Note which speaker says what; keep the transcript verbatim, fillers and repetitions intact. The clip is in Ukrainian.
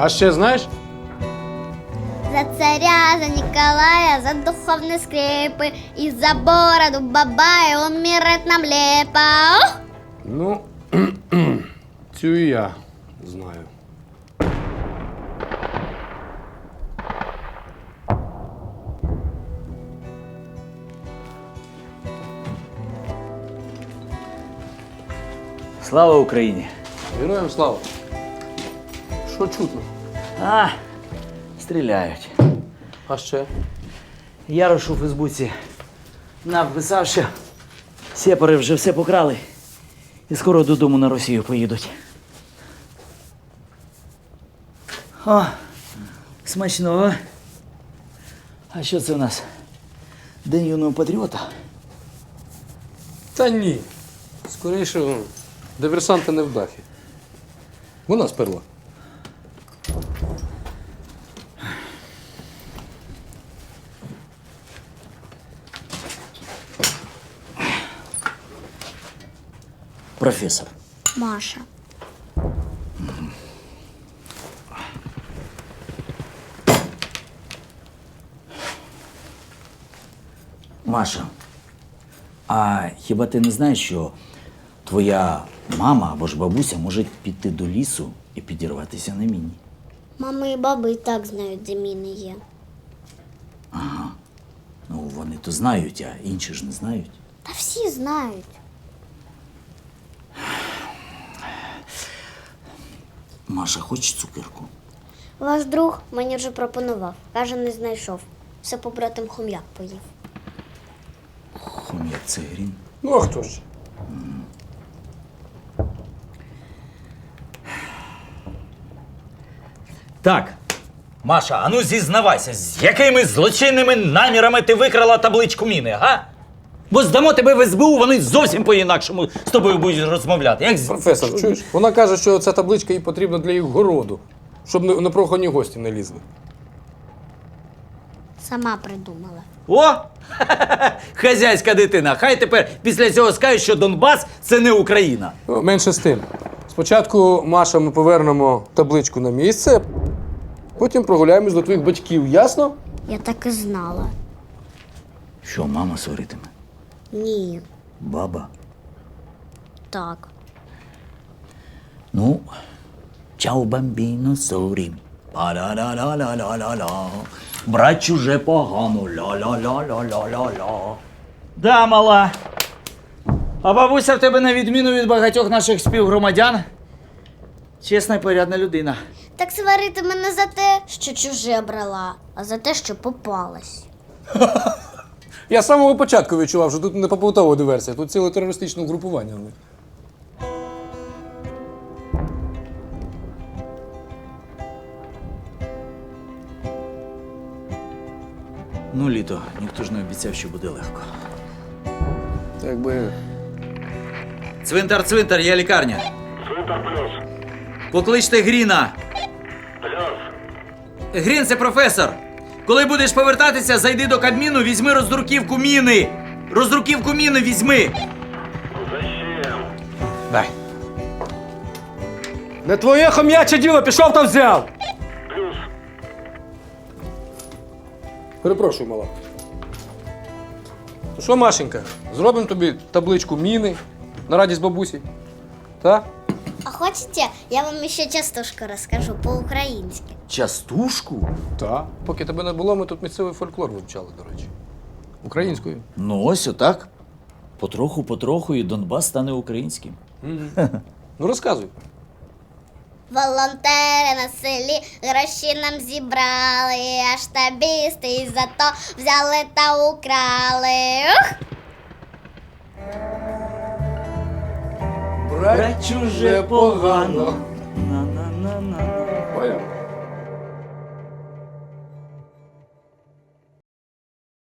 Speaker 1: А ще знаєш?
Speaker 2: За царя, за Николая, за духовные скрепы и за бороду бабая умирает нам лепо. Ух!
Speaker 1: Ну, цю і я знаю.
Speaker 3: Слава Україні!
Speaker 1: Героям слава. Що чутно?
Speaker 3: А, стріляють.
Speaker 1: А ще?
Speaker 3: Ярош у Фейсбуці написав, що сепари вже все покрали і скоро додому на Росію поїдуть. О, смачного. А що це у нас? День юного патріота?
Speaker 1: Та ні. Скоріше, диверсанти невдахи. Вона сперла.
Speaker 3: Професор.
Speaker 2: Маша.
Speaker 3: Маша, а хіба ти не знаєш, що твоя мама або ж бабуся може піти до лісу і підірватися на міні?
Speaker 2: Мама і баба і так знають, де міни є.
Speaker 3: Ну, вони то знають, а інші ж не знають.
Speaker 2: Та всі знають.
Speaker 3: Маша, хочеш цукерку?
Speaker 2: Ваш друг мені вже пропонував. Каже, не знайшов. Все побратим хом'як поїв.
Speaker 3: Хом'як це грін.
Speaker 1: Ну, а хто ж?
Speaker 3: Так, Маша, а ну зізнавайся, з якими злочинними намірами ти викрала табличку міни, га? Бо здамо тебе в ес бе у, вони зовсім по-інакшому з тобою будуть розмовляти. Як з...
Speaker 1: Професор, чуєш? Вона каже, що ця табличка їй потрібна для їх городу, щоб не- непрохані гості не лізли.
Speaker 2: Сама придумала.
Speaker 3: О! Хазяйська дитина. Хай тепер після цього скажуть, що Донбас – це не Україна.
Speaker 1: Ну, менше з тим. Спочатку, Маша, ми повернемо табличку на місце, потім прогуляємось до твоїх батьків, ясно?
Speaker 2: Я так і знала.
Speaker 3: Що, мама сваритиме?
Speaker 2: Ні.
Speaker 3: Баба?
Speaker 2: Так.
Speaker 3: Ну, чао, бамбіно, сорі. Па-ла-ла-ла-ла-ла-ла. Брать чуже погано. Ла-ла-ла-ла-ла-ла-ла. Да, мала. А бабуся в тебе, на відміну від багатьох наших співгромадян, чесна і порядна людина.
Speaker 2: Так сварити мене за те, що чуже брала, а за те, що попалась.
Speaker 1: Я з самого початку відчував, що тут не побутова диверсія, тут ціле терористичне угрупування.
Speaker 3: Ну, літо, ніхто ж не обіцяв, що буде легко.
Speaker 1: Та якби...
Speaker 3: Цвинтар, цвинтар, є лікарня.
Speaker 4: Цвинтар плюс.
Speaker 3: Покличте Гріна.
Speaker 4: Плюс.
Speaker 3: Грін, це професор. Коли будеш повертатися, зайди до Кабміну, візьми роздруківку міни. Роздруківку міни візьми.
Speaker 4: Зачем?
Speaker 3: Дай.
Speaker 1: Не твоє хом'яче діло, пішов та взяв!
Speaker 4: Плюс.
Speaker 1: Перепрошую, мала. Ну що, Машенька, зробимо тобі табличку міни на радість бабусі? Так?
Speaker 2: А хочете, я вам ще частушку розкажу по-українськи.
Speaker 3: Частушку?
Speaker 1: Так. Поки тебе не було, ми тут місцевий фольклор вивчали, до речі. Українською.
Speaker 3: Ну, ось отак. Потроху-потроху і Донбас стане українським.
Speaker 1: Ну розказуй.
Speaker 2: Волонтери на селі гроші нам зібрали, а штабісти і за то взяли та украли. Ух!
Speaker 1: Брать
Speaker 3: чуже погано.
Speaker 1: Поняв?